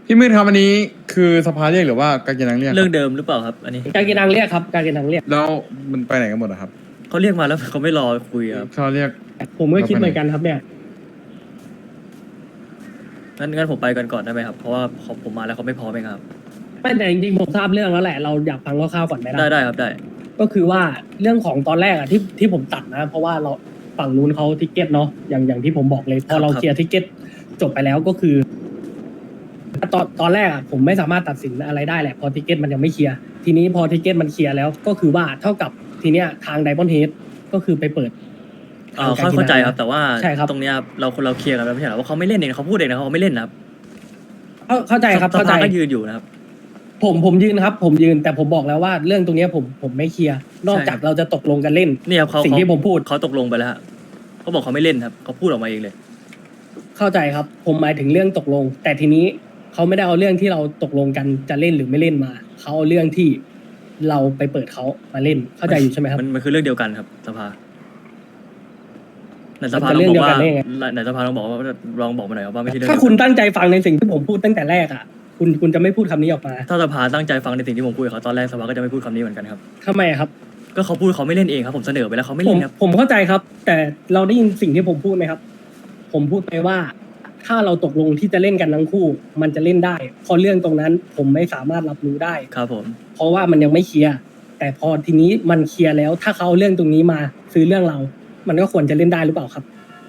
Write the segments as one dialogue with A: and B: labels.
A: พี่มืดครับอันนี้คือสภาเรียกหรือว่าการกินนังเรียกค
B: เรื่
A: รั
B: อบ งเดิมหรือเปล่าครับ อันนี้
C: การกินนางเรียกครับการกินนางเรียก
A: แล้วมันไปไหนกันหมดอะครับ
B: เขาเรียกมาแล้วเขาไม่รอคุยครับ
A: เขาเรียก
C: ผมก็คิดเหมือนกันครับเนี่ย
B: งั้นผมไปกันก่อนได้ไหมครับ เพราะว่าผมมาแล้วเขาไม่พร้อมเองครับ
C: ไม่แต่จริงๆผมทราบเรื่องแล้วแหละเราอยากฟังคร่าวๆก่อนไหมล่ะ
B: ได้ครับได้
C: ก็คือว่าเรื่องของตอนแรกอะที่ผมตัดนะ เพราะว่าเราฝั่งนู้นเขาทิกเก็ตเนาะอย่างที่ผมบอกเลยพอเรา
B: ครับ
C: เคลียร์ทิกเก็ตจบไปแล้วก็คือตอนแรกอะผมไม่สามารถตัดสินอะไรได้แหละพอทิกเก็ตมันยังไม่เคลียร์ทีนี้พอทิกเก็ตมันเคลียร์แล้วก็คือว่าเท่ากับทีเนี้ยทางไดมอนด์เฮดก็คือไปเปิดทงการกิน
B: เข้าใจครับ แต่ว่า
C: ใช่ครับ
B: ตรงเนี้ยครับเราเคลียร์กันแล้วไม่ใช่เหรอว่าเขาไม่เล่นเองเขาพูดเองนะเขาไม่เล่นนะครับ
C: เข้าใจครับ
B: ส
C: เข้าใจ
B: ภาก็ยืนอยู่นะครับ
C: ผมยืนครับ ผมยืนแต่ผมบอกแล้วว่าเรื่องตรงเนี้ยผมไม่เคลียร์นอกจากเราจะตกลงกันเล่น
B: นี่ครับเขา
C: สิ่งที่ผมพูด
B: เขาตกลงไปแล้วฮะเขาบอกเขาไม่เล่นครับเขาพูดออกมาเองเลย
C: เข้าใจครับ ผมหมายถึงเรื่องตกลง แต่ทีนี้เขาไม่ได้เอาเรื่องที่เราตกลงกันจะเล่นหรือไม่เล่นมาเขาเอาเรื่องที่เราไปเปิดเขามาเล่นเข้าใจอยู่ใช่ไหมครับ
B: มันคือเรื่องเดียวกันครับสภาในสภา
C: มัน
B: ล
C: จะ
B: องบอกว่า
C: เรื่องเดียวกันได้ไง
B: ในสภาลองบอกว่าลองบอกมาหน่อยครับว่าไม่ใช่เรื่อง
C: ถ้า
B: เดียว
C: คุณ
B: กัน
C: ตั้งใจฟังในสิ่งที่ผมพูดตั้งแต่แรกอ่ะคุณจะไม่พูดคำนี้ออกมา
B: ถ้าสภาตั้งใจฟังในสิ่งที่ผมคุยกับเขาตอนแรกสภาก็จะไม่พูดคำนี้เหมือนกันครับ
C: ทำไมอะครับ
B: ก็เขาพูดเขาไม่เล่นเองครับผมเสนอไปแล้วเขาไม่
C: ผ
B: เล่
C: ม
B: นครับ
C: ผมเข้าใจครับ แต่เราได้ยินสิ่งที่ผมพูดไหมครับ ผมพูดไปว่า ถ้าเราตกลงที่จะเล่นกันทั้งคู่ มันจะเล่นได้พอเรื่องตรงนั้น ผมไม่สามารถรับรู้ได้
B: ครับผม
C: เพราะว่ามันยังไม่เคลียร์แต่พอทีนี้มันเคลียร์แล้ว ถ้าเขาเอาเรื่องตรงนี้มาซื้อเรื่องเรา มันก็ควรจะเล่นได้หรือเปล่าครับ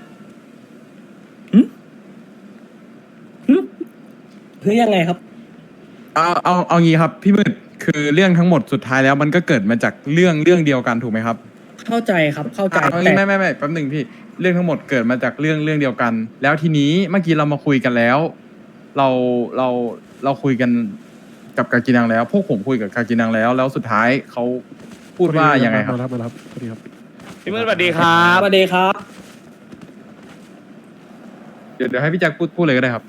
C: หรือยังไงครับ
A: เอางี้ครับพี่มืดคือเรื่องทั้งหมดสุดท้ายแล้วมันก็เกิดมาจากเรื่องเดียวกันถูกไหมครับ
C: เข้าใจครับ เข้าใจ
A: เอา
C: แต่
A: งี้ไม่แป๊บหนึ่งพี่เรื่องทั้งหมดเกิดมาจากเรื่องเดียวกัน แล้วทีนี้เมื่อกี้เรามาคุยกันแล้ว เราคุยกันกับกากินังแล้ว พวกผมคุยกับกากินังแล้วสุดท้ายเขาพูดว่ายังไงครับ
D: มารับสวัสดีครับ
E: พี่มืดสวัสดีครับ
C: สวัสดีครับ
A: เดี๋ยวให้พี่แจ็คพูดเลยก็ได้ครับ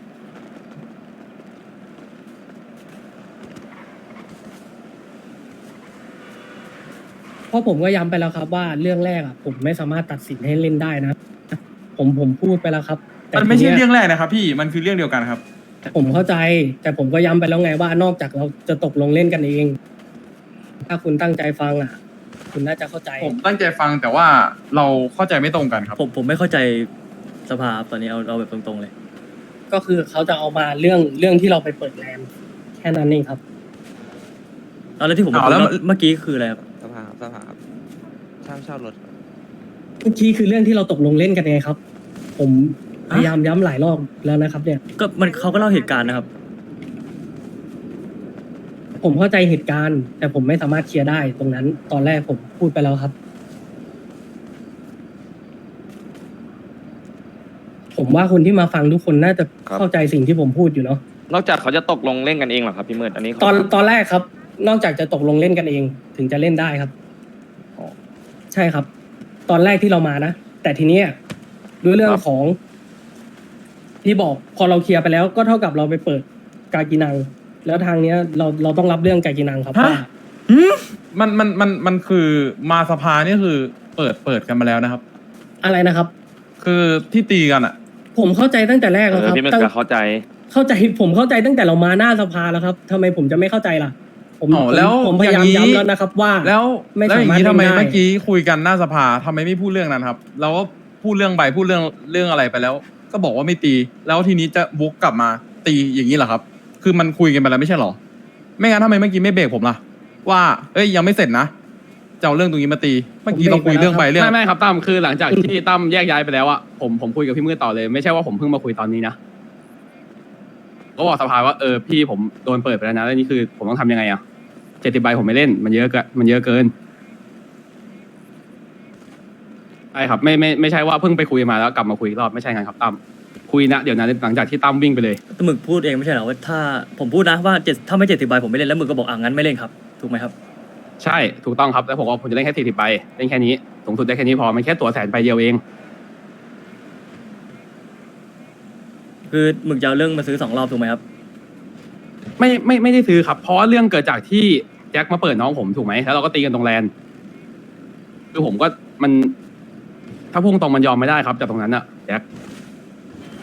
C: เพราะผมก็ย้ำไปแล้วครับว่าเรื่องแรกอ่ะผมไม่สามารถตัดสินให้เล่นได้นะ ผมพูดไปแล้วครับ แต่
A: มันไม่ใช่
C: ที
A: เรื่
C: เนี้
A: อย งแรกนะครับพี่มันคือเรื่องเดียวกันครับ
C: ผมเข้าใจ แต่ผมก็ย้ำไปแล้วไงว่านอกจากเราจะตกลงเล่นกันเอง ถ้าคุณตั้งใจฟังอ่ะ คุณน่าจะเข้าใจ
A: ผมตั้งใจฟังแต่ว่าเราเข้าใจไม่ตรงกันครับ
B: ผมไม่เข้าใจสภาครับตอนนี้เอาแบบตรงๆเลย
C: ก็คือเขาจะเอามาเรื่องที่เราไปเปิดแลนด์แค่นั้นเองครับ
B: เอาแล้วที่ผมบอก
A: เอาแล้ว
B: เมื่อกี้คืออะไรครับ
E: สภาครับเช่ารถครับ
C: เมื่อกี้คือเรื่องที่เราตกลงเล่นกันไงครับ ผมพยายามย้ำหลายรอบแล้วนะครับ เนี่ย
B: ก็เขาก็เล่าเหตุการณ์นะครับ
C: ผมเข้าใจเหตุการณ์ แต่ผมไม่สามารถเคลียร์ได้ตรงนั้น ตอนแรกผมพูดไปแล้วครับ ผมว่าคนที่มาฟังทุกคนน่าจะเข้าใจสิ่งที่ผมพูดอยู่เนาะ
E: นอกจากเขาจะตกลงเล่นกันเองเหรอครับพี่มืดอันนี้
C: ตอนแรกครับ นอกจากจะตกลงเล่นกันเอง ถึงจะเล่นได้ครับ
E: อ๋อ
C: ใช่ครับ ตอนแรกที่เรามานะแต่ทีเนี้ยด้วยเรื่องของ ที่บอกพอเราเคลียร์ไปแล้วก็เท่ากับเราไปเปิดกากินัง แล้วทางเนี้ยเราต้องรับเรื่องกากินังครับ
A: ฮะ
C: ว่า
A: มันคือมาสภานี่คือเปิดกันมาแล้วนะครับ
C: อะไรนะครับ
A: คือที่ตีกันอ่ะ
C: ผมเข้าใจตั้งแต่แรกแล้วครับ
E: พี่มืด
C: ตั้ง
E: ก็เข้าใจ
C: ผมเข้าใจตั้งแต่เรามาหน้าสภาแล้วครับทำไมผมจะไม่เข้าใจล่ะ ผม
A: อ๋อแล้ว
C: ผมพยายาม
A: อย่างนี้
C: ย้ำแล้วนะครับ ว่า
A: แล้ว
C: ไม่
A: แล้วอย่าง
C: สามารถ
A: นี้ทำไม
C: เล่นได้
A: เมื่อกี้คุยกันหน้าสภาทำไมไม่พูดเรื่องนั้นครับ เราก็พูดเรื่องใบพูดเรื่องอะไรไปแล้ว ก็บอกว่าไม่ตี แล้วทีนี้จะวกกลับมาตีอย่างนี้เหรอครับ คือมันคุยกันไปแล้วไม่ใช่เหรอ ไม่งั้นทำไมเมื่อกี้ไม่เบรกผมล่ะ ว่าเอ้ยยังไม่เสร็จนะจะเอาเรื่องตรงนี้มาตี เมื่อกี้ต้องคุยเรื่องใบเรื่อง
F: ไม่ครับตั้มคือหลังจากที่ตั้มแยกย้ายไปแล้วอะผมคุยกับพี่มืดต่อเลยไม่ใช่ว่าผมเพิ่งมาคุยตอนนี้นะก็บอกสภาว่าพี่ผมโดนเปิดไปแล้วนะแล้วนี่คือผมต้องทำยังไงอะ70 ใบผมไม่เล่นมันเยอะเกินใช่ครับไม่ใช่ว่าเพิ่งไปคุยมาแล้วกลับมาคุยอีกรอบไม่ใช่ไงครับตั้มคุยนะเดี๋ยวนั้นหลังจากที่ตั้มวิ่งไปเลย
B: แต่หมึกพูดเองไม่ใช่เหรอว่าถ้าผมพูดนะว่าถ้าไม่70 ใบผมไม่เล่นแล้วหมึกก็บอกงั้นไม่เล่นครับถูกไหมครับ
F: ใช่ถูกต้องครับแล้วผมว่าผมจะเล่นแค่40 ใบเล่นแค่นี้สูงสุดได้แค่นี้พอมันแค่ตั๋ว100,000 ใบเดียวเอง
B: คือหมึกจะเอาเรื่องมาซื้อ2 รอบถูกไหมครับ
F: ไม่ได้ซื้อครับเพราะว่าเรื่องเกิดจากที่แจ็คมาเปิดน้องผมถูกไหมแล้วเราก็ตีกันตรงแลนคือผมก็มันถ้าพุ่งตรงมันยอมไม่ได้ครับจากตรงนั้นอะแจ็ค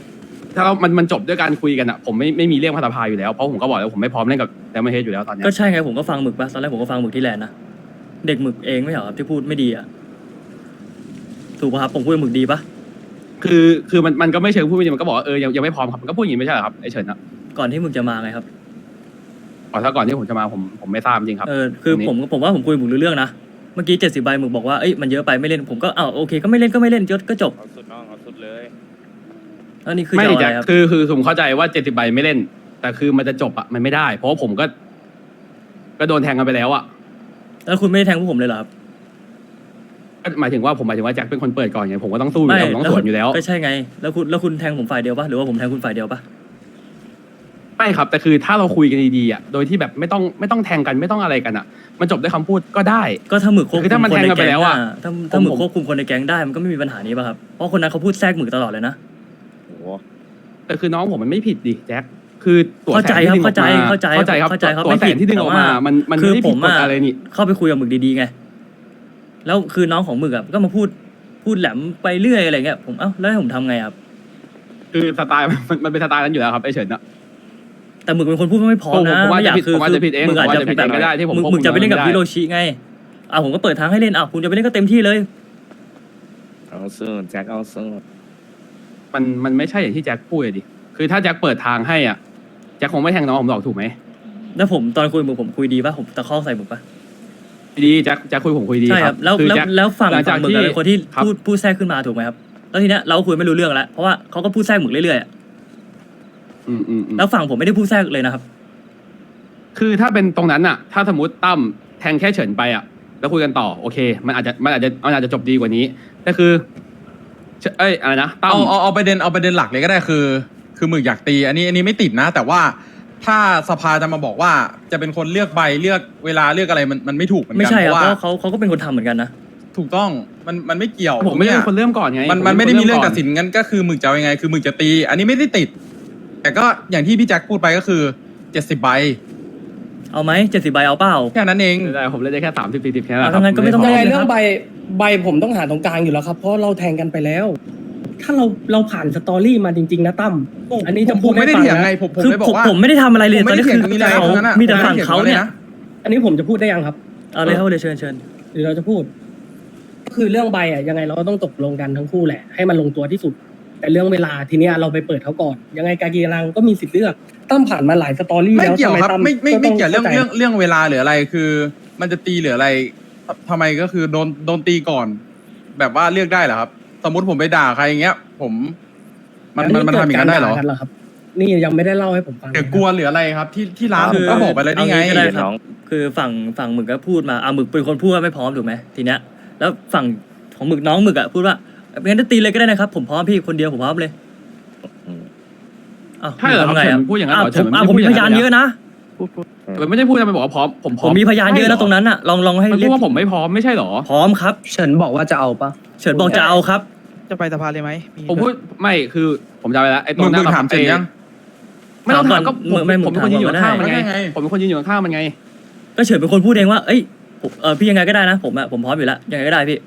F: ถ้าเรามันจบด้วยการคุยกันอะผมไม่มีเรื่องพัฒนาอยู่แล้วเพราะผมก็บอกแล้วผมไม่พร้อมเล่นกับแดมเฮดอยู่แล้วตอนเนี้ย
B: ก็ใช่ไงผมก็ฟังหมึกปะตอนแรกผมก็ฟังหมึกที่แลนด์นะเด็กหมึกเองไม่เหรอครับที่พูดไม่ดีอ่ะถูกป่ะครับผมพูดกับหมึกดีปะ
F: คือมันก็ไม่เชิงพูดไม่ดีมันก็บอกว่ายังไม่พร้อมครับมันก็พูดอย่างนี้ไม่ใช่เหรอครับไอเฉินอะ
B: ก่อนที่หมึกจะมาไงครับ
F: ถ้าก่อนที่ผมจะมาผมไม่ทราบจริงครับ
B: คือ
F: ตรงนี้
B: ผมว่าผมคุยหมึกรู้เรื่องนะเมื่อกี้70 ใบหมึกบอกว่าเอ้ยมันเยอะไปไม่เล่นผมก็โอเคก็ไม่เล่นก็จบ
E: เอาสุดน้องเอาสุดเลย
B: แล้วนี่คือ
F: ไม่
B: จะเอาอะ
F: แจ็
B: ไร
F: ค
B: ครับ
F: คือผมเข้าใจว่า70 ใบไม่เล่น แต่คือมันจะจบอะมันไม่ได้ เพราะว่าผมก็โดนแทงกันไปแล้วอะ
B: แล้วคุณไม่ได้แทงพวกผมเลยเหรอครับ
F: ก็หมายถึงว่าแจ็คเป็นคนเปิดก่อนไงผมก็ต้องสู้อยู่แล้วผมต้องสวนอยู่แล้ว
B: ก็ใช่ไงแล้วคุณแทงผมฝ่ายเดียวปะหรือว่าผมแทงคุณฝ่ายเดียวปะ
F: ไม่ครับแต่คือถ้าเราคุยกันดีๆอะโดยที่แบบไม่ต้องแทงกันไม่ต้องอะไรกันอะมันจบด้วยคำพูดก็ได้
B: ก็ถ้าหมึกควบคุ
F: คือถ้าม มัน
B: คน
F: แทง
B: ใน
F: กันไป
B: แก๊ง
F: แล้วอะ
B: ถ้าหมึก
F: ผม
B: ควบคุมคนในแก๊งได้มันก็ไม่มีปัญหานี้ป่ะครับเพราะคนนั้นเขาพูดแทรกหมึกตลอดเลยนะ
E: โอ้โห
F: แต่คือน้องผมมันไม่ผิดดิแจ็คคือตัว
B: เข้า
F: แส
B: ใจ
F: นที่
B: ครับ
F: ดึงออกมา
B: เข้าใจ
F: ครับ
B: เข้าใจครับ
F: ตัว
B: ไม่
F: แส
B: ผิด
F: นที่ดึงออกมา
B: แต่ว่า
F: มัน
B: คื
F: ไม่
B: อ
F: ได้
B: ผ
F: ผิด
B: ม
F: กฎ
B: อะ
F: อะไรนี่
B: เข้าไปคุยกับหมึกดีๆไงแล้วคือน้องของหมึกอะก็มาพูดแหลมไปเรื่อยอะไรเงี้ยผมแล้วให้ผมทำไงครับ
F: คือสไตล์มันเป็นสไตล์นั้นอยู่แล้วครับไอเฉินอะ
B: แต่หมึกเป็นคนพูดไม่พร้อมนะ
F: ผมว่า
B: ไม่อยาก
F: ผมอาจจะผิดเอง
B: หมึกอาจ
F: ผมอาจ
B: จะ
F: จะผิดเองก็ได้ที่ผมควบคุม
B: หมึกจะไปเล่นกับ
F: ไม่ได้
B: ฮิโรชิไงผมก็เปิดทางให้เล่นคุณจะไปเล่นก็เต็มที่เลย
E: เอาสุดแจ็คเอาสุด
F: มันไม่ใช่อย่างที่แจ็คพูดเลยดิคือถ้าแจ็คเปิดทางให้อ่ะแจ็คคงไม่แทงน้องผมหรอกถูกไหม
B: แล้วผมตอนคุยกับหมึกผมคุยดีป่ะผมตะคอกใส่หมึกป่ะ
F: ดีแจ็คคุยผมคุยดี
B: ใช่ครับแล้ว
F: คือ
B: แล้ว
F: แจ็ค
B: แล้วฝั่ง
F: หลังจาก
B: หมึกอะเป็นคนที่
F: ครับ
B: พูดแทรกขึ้นมาถูกไหมครับแล้วทีเนี้ยเราคุยไม่รู้เรื่องแล้วเพราะว่าเขาก็พูดแทรกหมึกเรื่อยๆอะ
F: อืม
B: แล้วฝั่งผมไม่ได้พูดแทรกเลยนะครับ
F: คือถ้าเป็นตรงนั้นอ่ะ ถ้าสมมติตั้มแทงแค่เฉินไปอ่ะแล้วคุยกันต่อโอเค มันอาจจะจบดีกว่านี้แต่คืออะไรนะตั้ม
A: เอาประเด็นหลักเลยก็ได้คือหมึกอยากตีอันนี้ไม่ติดนะ แต่ว่าถ้าสภาจะมาบอกว่าจะเป็นคนเลือกใบเลือกเวลาเลือกอะไรมันไม่ถูกเหมือน
B: ไม่
A: กัน
B: ใช่
A: เพ
B: ครับ
A: ราะ
B: เพ
A: ว่า
B: ราะเขาก็เป็นคนทำเหมือนกันนะ
A: ถูกต้องมันไม่เกี่ยว
F: ผมไม่ได้เป็นคน
A: ย
F: เริ่มก่อนไง
A: มันไม่ได้มีเรื่อง
F: ผ
A: ตัดสินงั้นก็คือหมึกจะเอายังไงคือหมึกจะตี อันนี้ไม่ได้ติด แต่ก็อย่างที่พี่แจ็คพูดไปก็คือ70 ใบ
B: เอาไหม70 ใบเอาเปล่า
A: แค่นั้นเอง
F: ไม่ได้ผมเล่นได้แค่30-40แค่นั้นแหละ
B: เอางั้นก็ไม่ต้อง
C: ยังไง
B: เลยครับ
C: เรื่องใบผมต้องหาตรงกลางอยู่แล้วครับ เพราะเราแทงกันไปแล้ว ถ้าเราผ่านสตอรี่มาจริงๆนะตั้มอันนี้จะ
A: ผ
C: พูด
A: มไม่ได้
C: ให้ฟั
A: เถียง
C: นะ
A: ไงผม
B: คือ
A: เลยบอกว่า
B: ผมไม่ได้ทำอะไรเลย
A: ผม
B: ตอน
A: ไม่ได้
B: นี้
A: เถียง
B: คือ
A: ตรงนี้เลย
B: เขา
A: ทั้งนั้นอะ
B: มีแต่ฝั่ง
A: ผมไม่ได้ถีย
B: เขา
A: ตรง
B: เนี่ย
A: นะ
C: อันนี้ผมจะพูดได้ยังครับ
B: เอาเลยครับเดี๋ยวเชิญ
C: หรือเราจะพูด คือเรื่องใบยังไงเราก็ต้องตกลงกันทั้งคู่แหละ ให้มันลงตัวที่สุด แต่เรื่องเวลาทีเนี้ยเราไปเปิดเขาก่อน ยังไงกากีรังก็มีสิทธิ์เลือกตั้มผ่านมาหลายสตอรี่
A: ไม่
C: แล้ว
A: เกี่ยวครับ
C: ทำตั้
A: ไม่เกี่ยวเรื่อง
C: ข้าใจ
A: เรื่องเวลาหรืออะไรคือ มันจะตีหรืออะไรทำไมก็คือโดนตีก่อน แบบว่าเลือกได้เหรอครับ สมมติผมไปด่าใครอย่างเงี้ย มันทำอย่างนั้นได้เหรอ
C: กิกาด่ากันครับ นี่ยังไม่ได้เล่าให้ผมฟัง
A: เดี๋ยวกลัวหรืออะไรครับ ที่ร้าน
B: คื
A: ผมก็บอกไปแล้วนี่ไง
B: เอางี้ก็ได้ครับ
E: น้อง
B: คือฝั่งหมึกก็พูดมาหมึกเป็นคนพูดว่าไม่พร้อมถูกไหมทีเนี้ยแล้วฝั่งของหมึกน้องหมึกพูดว่างั้นจะตีเลยก็ได้นะครับผมพร้อมพี่คนเดียวผมพร้อมเลย
E: อืม
B: อ้าว
F: ใช่เหรอครับ
B: ทำไง
F: เฉิ
B: อะ
F: นพูดอย่างนั้นเหรอเฉิน
B: ผมมีพยานเยอะนะ
F: มันไม่ได้พูดจะไปบอกว่าพร้อมผมพ
B: ผ
F: ร้อ
B: ม
F: ม
B: มีพยานเยอะนะตรงนั้นอะลองให้
F: มัน
B: เรี
F: พู
B: ย
F: ด
B: ก
F: ว่าผมไม่พร้อมไม่ใช่เหรอ
B: พร้อมครับ
D: เฉินบอกว่าจะเอาปะ
B: เฉินบอกจะเอาครับ
G: จะไปสภาเลยไหม
F: ผมพูดไม่คือผมจำไปแล้วไอ้ตรงห
A: มึ
F: น้าง
A: ถามเสร็จยัง
F: ไม่ต้องถามก็ผม
B: ไม่
F: ผมเป็นคนยืนอยู่ข้างมันไง
A: ถามก่อนก็ได้
F: ผมเป็นคนยืนอยู่ข้างมันไง
B: ก็เฉินเป็นคนพูดเองว่าเอ้ยพี่ยังไงก็ได้นะผมพร้อมอยู่แล้วยังไงก็ได้พี่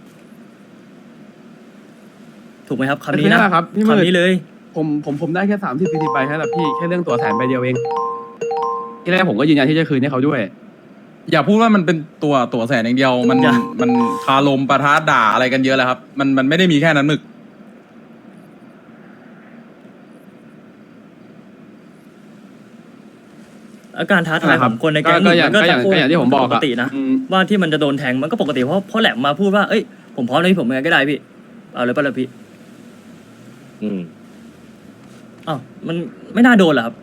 B: ถูกไหมครับคำนี้
F: คือนั่
B: นะ
F: นแหละครับพี่มืด
B: คำนี้เลย
F: ผมได้แค่30-40 ใบแค่นั้นพี่แค่เรื่องตัวแสนใบเดียวเองที่แรกผมก็ยืนยันที่จะคืนให้เขาด้วย
A: อย่าพูดว่ามันเป็นตัวแสนอย่างเดียวมันคารมปะทะด่าอะไรกันเยอะแล้วครับ มันไม่ได้มีแค่นั้นหมึก
B: อาการท้าทายของคนในแก๊ง
F: ก็อย่าง
B: มัน
F: ก็อย่างที่ผมบอก
B: ปก
F: อะ
B: ตินะ
F: อืม
B: ว่าที่มันจะโดนแทงมันก็ปกติเพราะแหลมมาพูดว่าเอ้ยผมพร้อมเลยพี่ผมยังไงก็ได้พี่เอาเลยป่ะล่ะพี่
E: อืม
B: อ้าวมันไม่น่าโดนเหรอครับ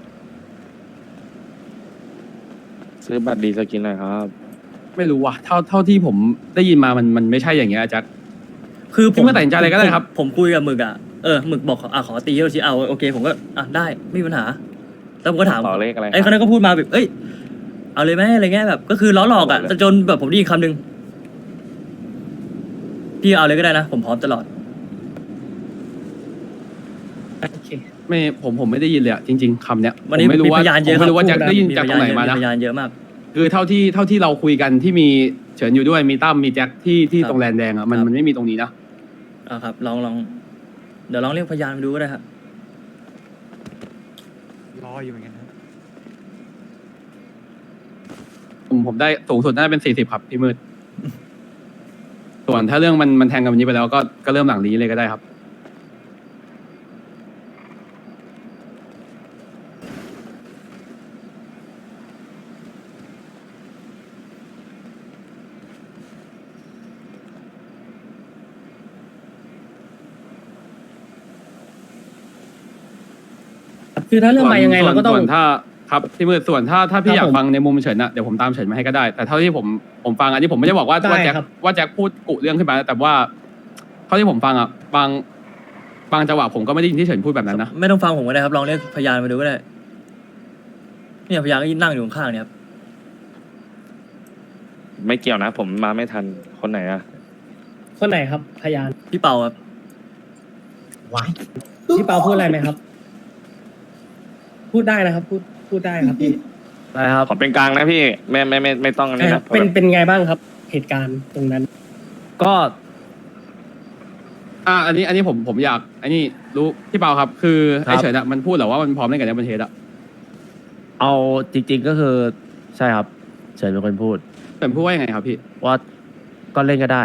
E: ซื้อบัตรดีสกินหน่อยครับ
F: ไม่รู้ว่ะเท่าที่ผมได้ยินมามันไม่ใช่อย่างเงี้ยแจ็ค
B: คือผม
F: พี่มาตัดสินใจอะไรก็ได้ครับ
B: ผมคุยกับหมึกหมึกบอกขอตีฮิโรชิเอาโอเคผมก็ได้ไม่มีปัญหาแล้วผมก็ถาม
E: ต่อเลขอะไร
B: ไอ้คนนั้นก็พูดมาแบบเอ้ยเอาเลยไหมอะไรเงี้ยแบบก็คือล้อหลอกแต่จนแบบผมได้ยินคำหนึ่งพี่เอาเลยก็ได้นะผมพร้อมตลอด
C: โอเค
F: ไม่ผมไม่ได้ยินเลยอะจริง ๆคำเนี้ย
B: วันนี้
F: ผมไม่รู้
B: มี
F: ว่า
B: พยานเยอะ
F: ผมไม่รู้ว่า
B: ครับ
F: แจ็คได้ยินจากตรงไหนมานะ
B: พยานเยอะมาก
F: คือเท่าที่เราคุยกันที่มีเฉินอยู่ด้วยมีตั้มมีแจ็คที่ตรงแลนแดงอะมันไม่มีตรงนี้นะ
B: ครับลองเดี๋ยวลองเรียกพยานมาดูก็ได้ครับ
D: อยู่เหมือนกันครับ
F: ผมได้สูงสุดน่าจะเป็น40ครับพี่มืด ส่วนถ้าเรื่องมันแทงกันแบบนี้ไปแล้วก็เริ่มหลังนี้เลยก็ได้ครับ
C: คือถ้าเรื่องมายังไงเราก็ต้อง
F: ส่วนถ้าครับพี่มืดส่วนถ้าพี่
C: ครับ
F: อยาก
C: ผม
F: ฟังในมุมเฉินอะเดี๋ยวผมตามเฉินมาให้ก็ได้ แต่เท่าที่ผมฟังอันนี้ผมไม่ได้บอกว่า
C: ได้
F: แจ็ค
C: ครับ
F: ว่าแจ็คพูดกุเรื่องขึ้นมาแต่ว่าเท่าที่ผมฟังอะบางจังหวะผมก็ไม่ได้ยินที่เฉินพูดแบบนั้นนะ
B: ไม่ต้องฟังผมก็ได้ครับลองเรียกพยานมาดูก็ได้เนี่ยพยานก็ยืนนั่งอยู่ข้างๆเนี่ยครับ
E: ไม่เกี่ยวนะ ผมมาไม่ทันคนไหนอะ
C: คนไหนครับพยาน
B: พี่เปาครับ
C: พี่เปาพูดอะไรไหมครับ พูดได้นะครับ พูดได้ครับพี่
G: ได้ครับ
E: ขอเป็นกลางนะพี่ไม่ต้องอันนี้นะ
C: เป็นไงบ้างครับ เหตุการณ์ตรงนั้น
G: ก็
F: อันนี้ผมอยากอันนี้รู้พี่เปาครับ คือ
G: ครับ
F: ไอ้เฉินอะมันพูดเหรอว่ามันพร้อมเล่นกับในประเทศอะ
G: เอาจริง ๆก็คือใช่ครับเฉินเป็นคนพูด
F: เฉินพูดว่ายังไงครับพี่
G: ว่าก็เล่นก็ได้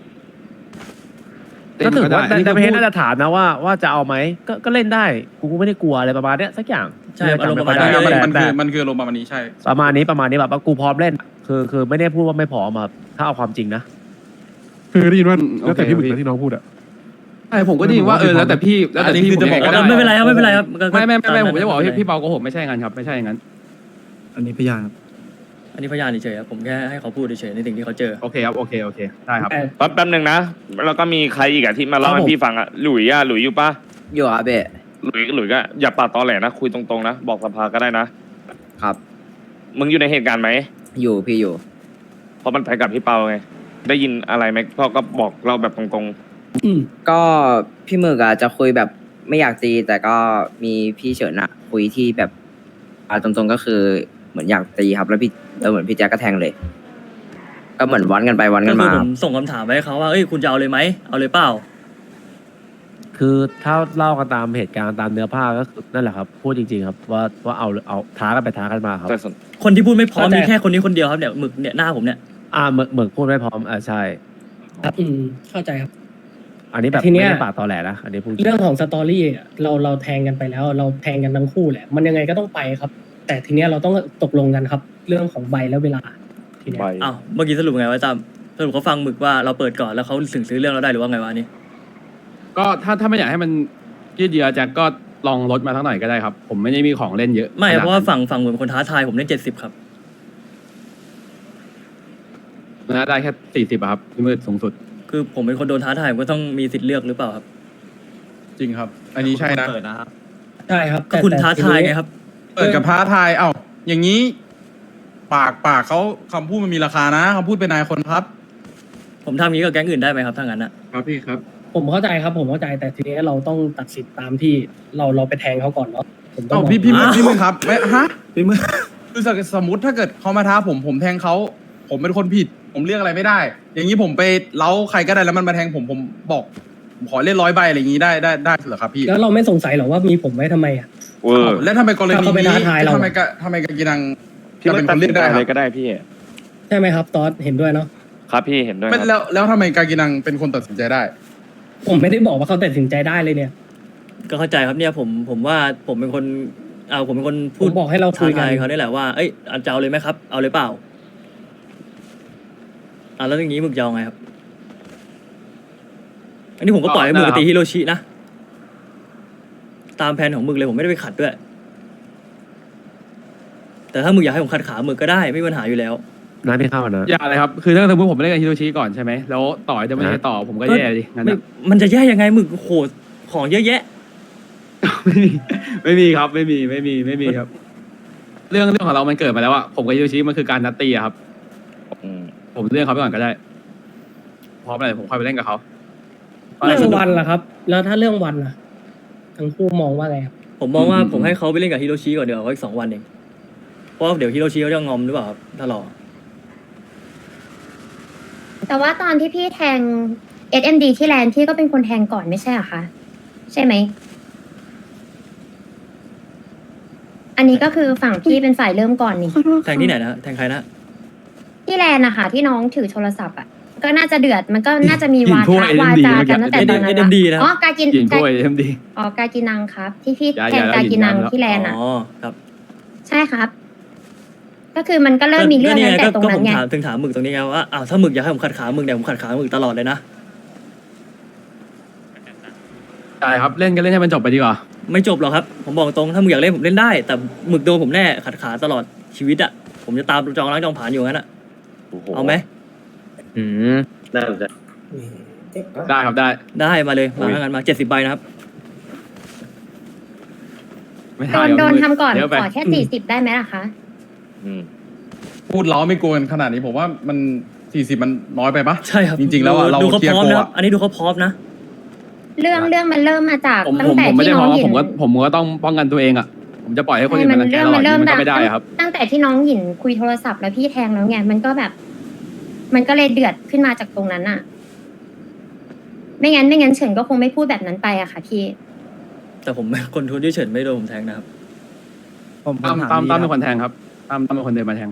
F: เล่
G: ก็
F: น
G: ถือ
F: ก็ได้
G: ว่า
F: อันนี้
G: ใน
F: คือ
G: ประเทศ
F: พูด
G: น่าจะถามนะว่าจะเอาไหมก็เล่นได้กูไม่ได้กลัวอะไรประมาณเนี้ยสักอย่าง
B: ใช่อารมณ์ประมาณ
G: ไได้
B: นั้นเลย
G: แต่
A: มันคืออารมณ์ประมาณนี้ใช่
G: ประมาณนี้แบบว่ากูพร้อมเล่น คือไม่ได้พูดว่าไม่พร้อมครับถ้าเอาความจริงนะ
H: คือได้ยินว่า
F: โอเค
H: แล้วแต่พี่หมึก
F: พี่
H: นะที่น้องพูดอะ
F: ใช่ผมก็ได้ยินว่าแล้วแต่พี่แล้วแต่พี่
A: อันนี้คือจะบอกว่า
F: ผม
B: ไม่เป็นไรครับไม่เป็นไรครับก็
F: ไม่ผมจะบอกว่า
B: ไเป็นไร
F: พี่เปาโกหกไม่ใช่อย่างนั้นครับไม่ใช่อย่างนั้น
D: อันนี้พยานครับ
B: อันนี้พยานเฉยๆครับผมแค่ให้เขาพูดเฉยๆในสิ่งที่เขาเจอ
F: โอเคครับโอเคได้ครับ
E: แป๊บนึงนะแล้วก็มีใครอีกอะที่มาเล่า
C: ครับ
E: ให้
C: ผม
E: พี่ฟังอะหลุยอยู่ปะ
I: อยู่ครับเบะ
E: หลุยก็อย่าปาดตอแหลนะคุยตรงๆนะบอกสภาก็ได้นะครับ มึงอยู่ในเหตุการณ์ไหม
I: อยู่พี่อยู่
E: เพราะมันไปกับพี่เปาไงได้ยินอะไรไหมพ่อก็บอกเราแบบตรง
C: อืม
I: ก็พี่หมึกอะจะคุยแบบไม่อยากตี แต่ก็มีพี่เฉินอะคุยที่แบบตรงๆก็คือเหมือนอยากตีครับ แล้วเหมือนพี่แจ๊คก็แทงเลย ก็เหมือนวันกันไปวัน
B: ก็
I: กัน
B: คือ
I: มา
B: ผมส่งคำถามไปให้เขาว่าเอ้ยคุณจะเอาเลยไหมเอาเลยเปล่า
G: คือถ้าเล่ากันตามเหตุการณ์ตามเนื้อผ้าก็คือนั่นแหละครับ พูดจริงๆครับว่าเอาท้ากันไปท้ากันมาครับ
E: ๆแต่
B: คนที่พูดไม่พร้อม
C: เข้าใจ
B: มีแค่คนนี้คนเดียวครับเนี่ยหมึกเนี่ยหน้าผมเนี่ย
G: เหมือนพูดไม่พร้อมใช่
C: ครับเข้าใจครับ
G: อันนี้แบบ
C: ทีเนี้
G: ไม่
C: ย
G: ได้ปากตอแหลนะอันนี้พูด
C: เรื่องของสตอรี่อะเราแทงกันไปแล้ว เราแทงกันทั้งคู่แหละ มันยังไงก็ต้องไปครับ แต่ทีเนี้ยเราต้องตกลงกันครับ เรื่องของใบและเวลาทีเนี้ย
E: ใบ
B: อ้าวเมื่อกี้สรุปไงวะจำสรุปเขาฟังหมึกว่าเราเปิดก่อนแล้วเขาถึงซื้อเรื่องเราได้หรือว่าไงวะอันนี่
F: ก็ถ้าไม่อยากให้มันยืดเยื้อแจ็คก็ลองลดมาทั้งหน่อยก็ได้ครับ ผมไม่ได้มีของเล่นเยอะ
B: ไม่
F: ขนด
B: เพราะว่าฝั่งหมึกเป็นคนท้าทายผมเล่น70ครับ
F: นะได้แค่40อะครับพี่มืดสูงสุด
B: คือผมเป็นคนโดนท้าทายผมก็ต้องมีสิทธิ์เลือกหรือเปล่าครับ
A: จริงครับ อันนี้ใช่นะ
C: ใช่ครับ
B: ก็คุณ
C: แต่
B: ท้า
C: ที
B: ทาย
C: นี้
B: ไงครับ
A: เปิดกับท้าทายอย่างนี้ ปากเขาคำพูดมันมีราคานะคำพูดเป็นนายคนครับ
B: ผมทำอย่างนี้กับแก๊งอื่นได้ไหมครับถ้างั้นอะ
F: ครับพี่ครับ
C: ผมเข้าใจครับ ผมเข้าใจแต่ทีนี้เราต้องตัดสินตามที่เราไปแทงเขาก่อนเนาะผมต้องบอก
A: พี่มึงครับไม่ฮะพี่มึงคือสมมติถ้าเกิดเขามาท้าผมแทงเขาผมเป็นคนผิด ผมเลือกอะไรไม่ได้ อย่างนี้ผมไปเล้าใครก็ได้แล้วมันมาแทงผมบอกผมขอเล่น100 ใบอะไรอย่างนี้ได้เหรอครับพี่
C: แล้วเราไม่สงสัยหรอว่ามีผมไว้ทำไมอ่ะ
E: เวอร์
A: แล้วทำไมกรณี
C: ถ้าเขาไป
A: นี้
C: ท้าทายเรา
A: ทำไมกากินัง
E: พี่
A: จะ
E: ไม่
A: เป็น
E: ตั
A: ค
E: ด
A: น
E: สิ
A: เลื
E: น
A: อก
E: ใจ
A: ได้
E: อะไร
A: ครับ
E: ก็ได้พี่
C: ใช่ไหมครับตอสเห็นด้วยเนาะ
E: ครับพี่เห็นด้วยค
A: ไม่
E: รับ
A: แล้วทำไมกากินังเป็นคนตัดสินใจได้
C: ผมไม่ได้บอกว่าเขาตัดสินใจได้เลยเนี่ย
B: ก็เข้าใจครับเนี่ยผมว่าผมเป็นคนผมเป็นคน
C: ผ
B: พูด
C: มบอกให้เราคุ
B: ท้าย
C: กัน
B: ทายเขาได้แหละว่าเอ้ยจะเอาเลยไหมครับ เอาเลยเปล่าแล้วอย่างนี้หมึกจะเอาไงครับ อันนี้ผมก็ปล่อยให้หมึกไปตีฮิโรชินะตามแผนของหมึกเลยผมไม่ได้ไปขัดด้วย แต่ถ้าหมึกอยากให้ผมขัดขาหมึกก็ได้ไม่มีปัญหาอยู่แล้ว
G: น้าพี่เข้ามานะ
F: อย่าเลยครับ คือถ้าสมมติผมไม่เล่นกับฮิโรชิก่อนใช่ไหมแล้วต่อจะไม่ได้ต่อผมก็แย่ดิงั้น
B: ไม่
F: อะ
B: มันจะแย่ยังไงหมึกโหดของเยอะแยะ
F: ไม่มีครับไม่มีครับ เรื่องของเรามันเกิดมาแล้วอะผมกับฮิโรชิมันคือการนัดตีอะครับ
E: อืม
F: ผมเลื่อนเขาไปก่อนก็ได้พร้อมอะไรผมค่อยไปเล่นกับเขา
C: เรื่องวันล่ะครับ แล้วถ้าเรื่องวันล่ะทั้งคู่มองว่าไงครับ
B: ผมมองว่าผมให้เขาไปเล่นกับฮิโรชิก่อนเดี๋ยวอีก2 วันเองเพราะว่าเดี๋ยวฮิโรชิเขาจะงอมหรือเปล่าครับถ้ารอ
J: แต่ว่าตอนที่พี่แทง SMD ที่แลนด์พี่ก็เป็นคนแทงก่อนไม่ใช่เหรอคะ ใช่ไหม อันนนี้ก็คือฝั่งพี่เป็นฝ่ายเริ่มก่อนนี่
B: แทงที่ไหนนะแทงใครนะ
J: ที่แลนด์นะคะที่น้องถือโทรศัพท์อ่ะก็น่าจะเดือดมันก็น่าจะมี
F: หญิง
J: วา
F: พวก
J: ทะ
F: AMD
J: วาจากันตั้งแต่ตอนนั้น
B: เอ็มดีนะ
J: อ๋อกากิน
F: หญิงพวกเอ็มดี
J: อ๋อกากินังครับ ที่พี่
F: ย้าย
J: แทง
F: ย้าย
J: กากินัง
F: ย้ายแล้ว
J: ที่แลนด์อ่ะ
B: อ๋อครับ
J: ใช่ครับ ก็คือมันก็เริ่มมีเรื่องตั้งแต่ตรง
B: ก็
J: นั้
B: ผ
J: น
B: ม
J: ไง
B: ถามหมึกตรงนี้ไงว่าอ้าวถ้าหมึกอยากให้ผมขัดขาหมึกเนี่ยผมขัดขาหมึกตลอดเลยนะ
F: ใช่ครับเล่นกันเล่นให้มันจบไปดีกว่า
B: ไม่จบหรอกครับ ผมบอกตรงถ้าหมึกอยากเล่นผมเล่นได้ แต่หมึกโดนผมแน่ขัดขาตลอดชีวิตอะผมจะตามจองล้างจองผ่านอยู่งั้นอะเอาไหม
E: ได้สนใจ
F: ได้ครับได้
B: ได้มาเลยมางั้นมา70 ใบนะครับ
F: ไม่
J: โดน
F: เยว
J: โดน
F: มื
J: ทำก่อน
F: เดี๋ยวไป
J: ขอแค่40ได้ไหมล่ะคะ
A: พูดล้อไม่กลัวกันขนาดนี้ผมว่ามัน40มันน้อยไปปะ
B: ใช่ครับ
A: จริงๆแล้วอะเรา
B: ดูเขา
A: เคลีย
B: พ
A: ร์
B: ร้อม
A: โก
B: นะ
A: อะ
B: อันนี้ดูเขาพร้อมนะ
J: เรื่องมันเริ่มมาจาก
F: ผม
J: ตั้งแต่
F: ไม่
J: ที่
F: ได้
J: น้
F: เพ
J: อง
F: ราะว่า
J: หยิน
F: ผมก็ต้องป้องกันตัวเองอ่ะผมจะปล่อยให้คนอื่นมารังแกเรา
J: มัน
F: อย่าง
J: เริ่
F: นี้
J: ม
F: มันก็
J: ดัง
F: ไม่ได้ครับ
J: ตั้งแต่ที่น้องหยินคุยโทรศัพท์แล้วพี่แทงแล้วไงมันก็แบบ มันก็เลยเดือดขึ้นมาจากตรงนั้นอะไม่งั้นเฉินก็คงไม่พูดแบบนั้นไปอะค่ะพี่
B: แต่ผมคนทุนที่เฉินไม่โดนผมแทงนะครับ
D: ผม
F: ตั้ม
D: ถาม
F: ตั้ม
D: ดี
F: เป็นคนแทงครับตั้มเป็นคนเดินมาแทง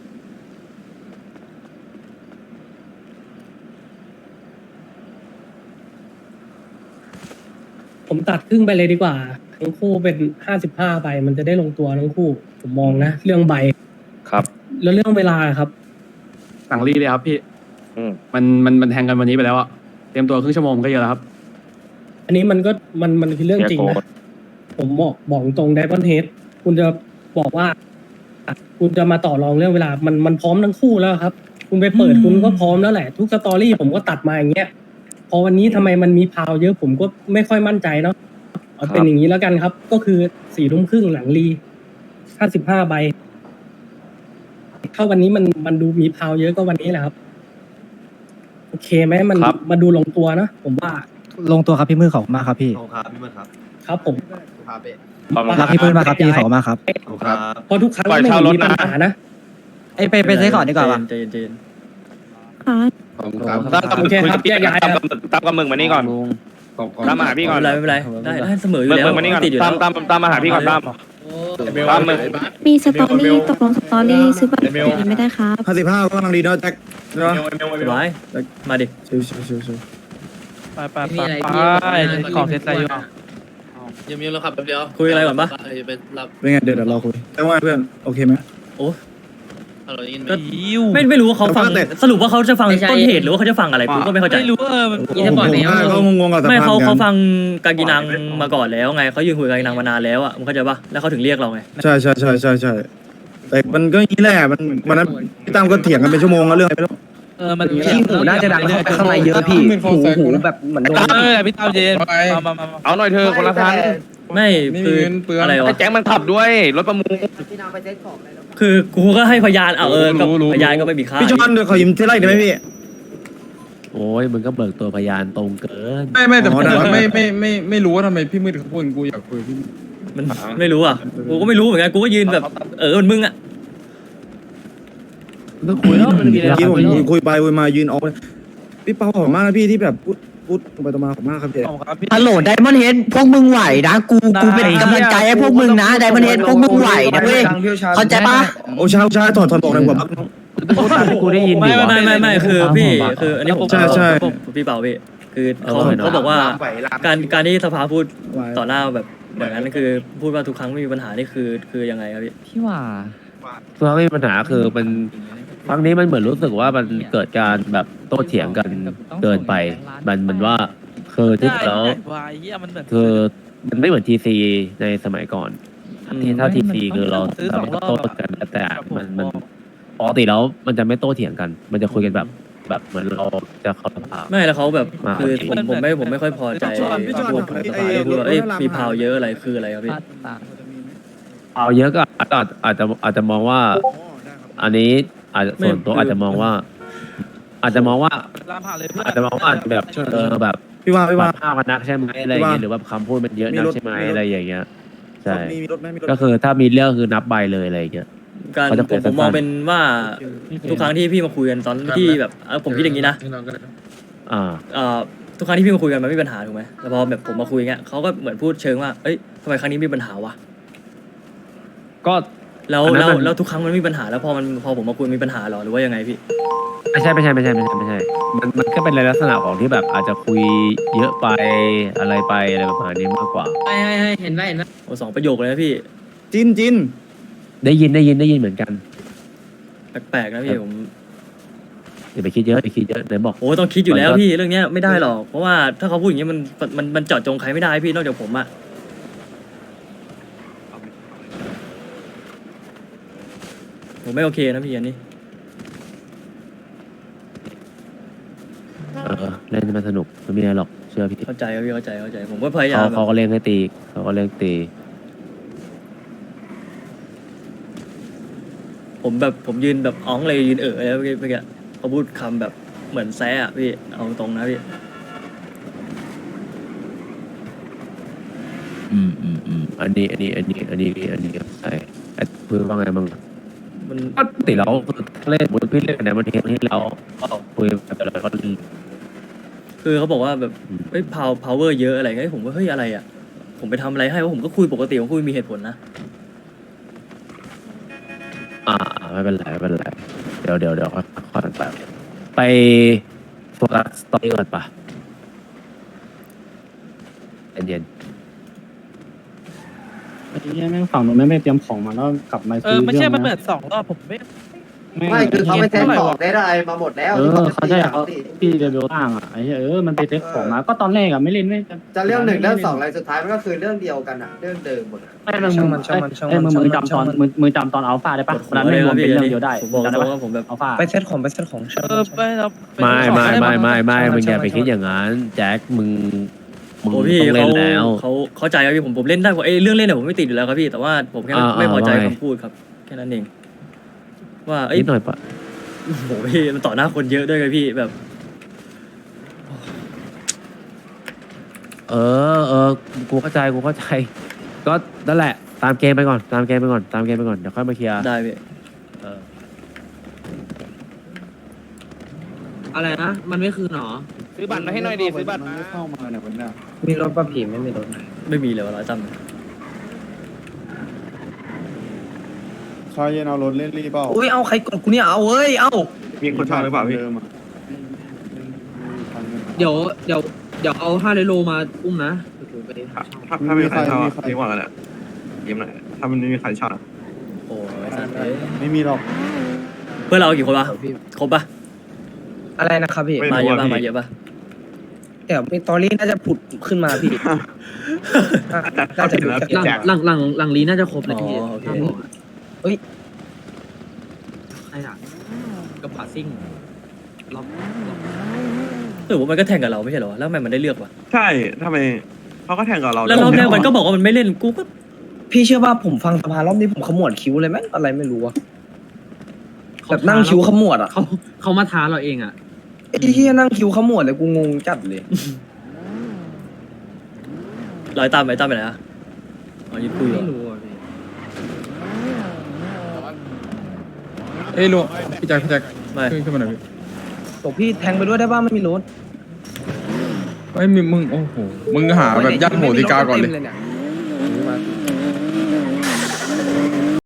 C: ผมตัดครึ่งไปเลยดีกว่า ทั้งคู่เป็น55ใบมันจะได้ลงตัวทั้งคู่ ผมมองนะ เรื่องใบ
E: ครับ
C: แล้วเรื่องเวลาครับ
F: สั่งรีเลยครับพี่
E: อืม
F: มันแทงกันวันนี้ไปแล้วอ่ะเตรียมตัวครึ่งชั่วโมงก็เยอะแล้วครับ
C: อันนี้มันก็มันคือเรื่องจริง
E: เสียโกร
C: นะ
E: ธ
C: ผมบอกตรงไดมอนเฮดคุณจะบอกว่า คุณจะมาต่อรองเรื่องเวลา มันพร้อมทั้งคู่แล้วครับ คุณไปเปิดคุณก็พร้อมแล้วแหละ ทุกสตอรี่ผมก็ตัดมาอย่างเงี้ย พอวันนี้ทำไมมันมีพาวเยอะผมก็ไม่ค่อยมั่นใจเนาะเอาเป็นอย่างนี้แล้วกันครับ ก็คือ4 ทุ่มครึ่งหลังรี55ใบถ้าวันนี้มันดูมีพาวเยอะก็วันนี้แหละครับ โอเคไหมมัน
E: ครับ
C: มาดูลงตัวนะผมว่า
D: ลงตัวครับพี่มือขอบคุณมากครับพี่
C: ครับผม
E: ขอบคุณค
D: รั
E: รั
D: กพี่มือมากครับพี่ขอบคุณมากครับ
C: เพราะทุกครั้ง
E: ปล่อย
C: ไม่
E: เช่า
C: เห็น
E: รถ
C: มีปัญ
E: นะ
C: หานะ
D: ไปใช้ก่อนดีกว่าป่ะ
B: ใจเย็น
E: ตั้มกับ
C: โอ
E: มึก
C: เค
E: คุย
C: ครั
E: กับบ พี่
C: แยกย้ายครับ
E: ตั้มกับมึงมานี่ก่อนตั้มมาหาพี่ก่อน
B: ไม่เป็นไรได้เสมออยู่
E: มึง
B: แล้ว
E: มานี่ก่อน
B: ติดอยู่
E: ตั้
B: แล้
E: ม
B: ว
E: ตั้มมาหาพี่ก่อนตั้มตั้มมึง
K: มีสตอรี่ตกลงสตอรี่ซื้อบัตรไม่ได้ครับ
D: 55ก็กำลังดีเนาะแจ็คเนาะ
B: ร้ายมาดิ
D: ชิว
G: ไปขอเซตอะไรอยู่
L: ยังเราขับแป๊บเดียว
B: คุยอะไรก่อนปะ
L: ไปรับ
D: เป็นไงเดี๋ยวเราคุยแต่ว่าเพื่อนโอเคไหม
L: ฮัลโหลยิน
B: ก็ไม่รู้ว่าเขาฟังสรุปว่าเขาจะฟังต้นเหตุหรือว่าเขาจะฟังอะไรผมก็ไม่เข้าใจ
G: ไม่รู้มัน
D: ก็งงๆกับสภาพ
B: ไม่เขา
D: กัน
B: ฟังกากินังมาก่อนแล้วไงเขายืนคุยกับกากินังมานานแล้วอ่ะมึงเข้าใจปะแล้วเขาถึงเรียกเราไง
D: ใช่แต่มันก็อย่างนี้แหละมันวันนั้นพี่ตั้มก็เถียงกันเป็นชั่วโมงแล้วเรื่องอะไรไม่รู้
G: มัน
I: พี่หูน่าจะดังเข้าไปข้างในเยอะพี่หูแบบเหมือนโดน
G: พี่ตามเย็น
A: ไป
G: มา
E: เอาหน่อยเธอคนละคัน
B: ไม่
A: ไม่มี
B: คือ
A: เงินเปลือง
B: อะไร
E: ไอ้
B: วะ
E: แจ็คมันขับด้วยรถประมูล
B: คือกูก็ให้พยานเอากับ
A: รู้
B: พยานก็ไม่มีค่า
D: พี่จอนเดี๋ยวขอยืมเท่าไรได้ไหมพี่
G: โอ้ยมึงก็เบิกตัวพยานตรงเกิน
A: ไม่แต่
D: อ๋
A: ผ
D: อ
A: ม
D: ได้
A: ไม่รู้ว่าทำไมพี่มืดเขาพูดกูอยากคุยพี่
B: มันไม่รู้อ่ะกูก็ไม่รู้เหมือนกันกูก็ยืนแบบมันมึงอ่ะ
G: ต้องคุยแล้วมันมีอะไร
D: เมื่อกี้ผมคุยไปคุยมายืนออกพี่เปาขอบมากนะพี่ที่แบบพูดตรงไปตรงมาขอบมากครับพี่
I: ฮัลโหลไดมอนเฮดพวกมึงไหวนะกูเป็นกำลังใจให้พวกมึงนะไดมอนเฮดพวกมึงไหวนะเว้ยเข้าใจปะ
D: โอ้ใช่ถอดบอกเลยหัวบัก
G: พูดตามที่กูได้ยิน
B: ไม่คือพี่คืออันนี้ผม
D: ใช่
B: พี่เปาพี่คือเขาบอกว่าการที่สภาพูดต่อหน้าแบบอย่างนั้นคือพูดว่าทุกครั้งไม่มีปัญหานี่คือยังไงครับพี่
K: พี่ว่า
G: เพราะไม่มีปัญหาคือมันครั้งนี้มันเหมือนรู้สึกว่ามันเกิดการแบบโต้เถียงกันเกินไปมันว่าคือที่แล้วคือมันไม่เหมือนทีซีในสมัยก่อนที่ถ้าทีซีคือเราสามารถโต้กันแต่มันปกติแล้วมันจะไม่โต้เถียงกัน มันจะคุยกันแบบเหมือนเราจะเข้าสภา
B: ไม่แล้วเขาแบบคือผมไม่ค่อยพอใจพวกสภาที่พูดว่ามีพาวเยอะอะไรคืออะไรครับพี่
G: เอาเยอะก็อาจจะมองว่า อันนี้อาจจะส่วนตัวอาจจะมองว่า อาจจะมองว่าแบบแบบ
D: พี่ว่า
G: ภาพมันนักใช่ไหมอะไรอย่างเงี้ยหรือว่าคำพูดมันเยอะนักใช่ไหมอะไรอย่างเงี้ยใช่
D: มีรถไหมมีรถ
G: ก็คือถ้ามีเรื่องคือนับใบเลยอะไรอย่างเงี้ย
B: การ
G: เขาจะเปิด
B: ผมมอง
G: สั้นๆ
B: เป็นว่าทุกครั้งที่พี่มาคุยกันตอนที่แบบผมคิดอย่างนี้นะ ทุกครั้งที่พี่มาคุยกันมันไม่มีปัญหาถูกไหมแต่พอแบบผมมาคุยเงี้ยเขาก็เหมือนพูดเชิงว่าเอ้ยทำไมครั้งนี้มีปัญหาวะ
G: ก็
B: แล้ว
G: อันนั้น
B: แล้ว
G: มัน
B: แล้วทุกครั้งมันมีปัญหาแล้วพอผมมาคุยมีปัญหาเหรอหรือว่ายังไงพี่
G: ไม่ใช่มันก็เป็นในลักษณะของที่แบบอาจจะคุยเยอะไปอะไรไปอะไรประมาณนี้มากกว่า
L: ให้เห็นไหม
B: โอ้2 ประโยคเลยนะพี่
D: จินจิน
G: ได้ยินเหมือนกัน
B: แปลกๆนะพี่ผม
G: อย่าไปคิดเยอะไหนบอก
B: โอ้ต้องคิดอยู่แล้ว
G: มันก็
B: พี่เรื่องเนี้ยไม่ได้หรอกเพราะว่าถ้าเขาพูดอย่างเงี้ยมันเจาะจงใครไม่ได้พี่นอกจากผมอะผมไม่โอเคนะพี่อันนี้
G: เล่นมันสนุกไม่มีอะไรหรอกเชื่อพี่
B: เข้าใจครับพี่เข้าใจผมก็พยายาม
G: เขาก็เล่นให้ตีเขาก็เล่นตี
B: ผมยืนแบบอ้องเลยยืนแล้วเมื่อกี้เขาพูดคำแบบเหมือนแซะอะพี่เอาตรงนะพี่
G: อันนี้ใช่เพื่อว่าไงบ้าง
B: มัน
G: ปกติเราเล่นบุญพี่เล่นกันในวันที่เราก็คุยแบบอะไรก็
B: คือเขาบอกว่าแบบเฮ้ยpower เยอะอะไรเงี้ยผมว่าเฮ้ยอะไรอ่ะผมไปทำอะไรให้ว่าผมก็คุยปกติผมคุยมีเหตุผลนะ
G: ไม่เป็นไรเดี๋ยวค่อยไปโฟกัสสตอรี่ก่อนปะเย็น
C: ไอ้เหี้ยแม่งฝั่งนู้นไม่เตรียมของมาแล้วกลับมาซื้อ
L: ไม่ใช่มันเปิด2 รอบผมไม่
C: คือเขาไม่เซ็ตของ
L: ได้มาหมดแล้ว
C: เขาใช่เขาพี่เดบิวต่างอ่ะไอ้เหี้ยมันไปเซ็ตของมาก็ตอนแรกอ่ะไม่เล่นไม่
L: จะเรื่อง1เรื่อง2อะไรสุดท้ายมันก็คือเรื่องเดียวกันอะเรื่องเดิมหมด
C: มึงจำตอนอัลฟาได้ปะวันนั้นไม่รวมเป็นเรื่องเดียวได้
B: ผมบอก
C: จำ
B: ต
C: ได้
B: รง
C: ปะ
B: ว่าผมแบบ
C: อัลฟา
I: ไปเซ็ตของ
G: ไม่มึงอย่าไปคิดอย่างนั้นแจ็คมึง
B: โอ้พี่
G: ต้องเล่นแล้ว
B: เขาเข้าใจครับพี่ผมเล่นได้ว่าเรื่องเล่นเนี่ยผมไม่ติดอยู่แล้วครับพี่แต่ว่าผมแค่ไม่พอใจคำพูดครับแค่นั้นเองว่า
G: นิดหน่อยปะ
B: โอ้โหพี่มันต่อหน้าคนเยอะด้วยไงพี่แบบ
G: กูเข้าใจก็นั่นแหละตามเกมไปก่อนเดี๋ยวค่อยมาเคลียร์
B: ได้พี่
L: อะไรนะมันไม่คืนหรอ
F: ซื้อบัตรมาให้หน่อยดิซื้อบัตรมา
D: เข้ามาเนี่ยวันนี้
I: มีรถป่ะพี่ไม่มีรถ
B: ไม่มีเลยวะร้อยตั้ม
D: ชายเย็นเอารถเล่นรีเปล่า
I: อุ้ยเอาใครกดกูเนี่ยเอาเว้ยเอา
D: มีคนชอบหรือเปล่าพี่
L: เดี๋ยวเอา5 โลมาอุ้มนะ
D: ถ้ามีใครชอบดีกว่ากันแหละยิ้มหน่อยถ้ามันไม่มีใครชอบ
B: โอ้ยสัตว์เอ้ย
D: ไม่มีหรอก
B: เพื่อนเรากี่คนวะครบปะ
I: อะไรนะครับพี่
B: มาเยอะปะ
I: เดี๋ยวมีตอรี่น่าจะผุดขึ้นมาพี่น่าจะดูจาก
L: หลังลีน่าจะครบเลยพี่
B: โอเค
I: เฮ้ย
L: ใครอ่ะกับผาซิ่งล็อก
B: หรือว่ามันก็แข่งกับเราไม่ใช่เหรอแล้วทำไมมันได้เลือกวะ
D: ใช่ทำไมเขาก็แข่งกับเรา
B: แล้วรอบแรกมันก็บอกว่ามันไม่เล่นกูก็
I: พี่เชื่อว่าผมฟังสภารอบนี้ผมขมวดคิ้วเลยแม่งอะไรไม่รู้อะแบบนั่งคิ้วขมวดอะ
L: เขามาท้าเราเองอ่ะ
I: ไอ้เหี้ยนั่งคิ้วขมวดเลยกูงงจัดเลย
B: ร้อยตามไปไหนอะอ๋อยืนคุยเหรอ
L: ไม่รู้อ่ะพี่
A: เอ้ยลุงพี่แจ็ค
B: ไม่
A: ขึ้นมาหน่อยพี่
I: บอกพี่แทงไปด้วยได้ป่ะไม่มีรถ
A: ไม่มีมึงโอ้โหมึงหาแบบยัดโหติกาก่อนเลย
I: ต็มเนี่ย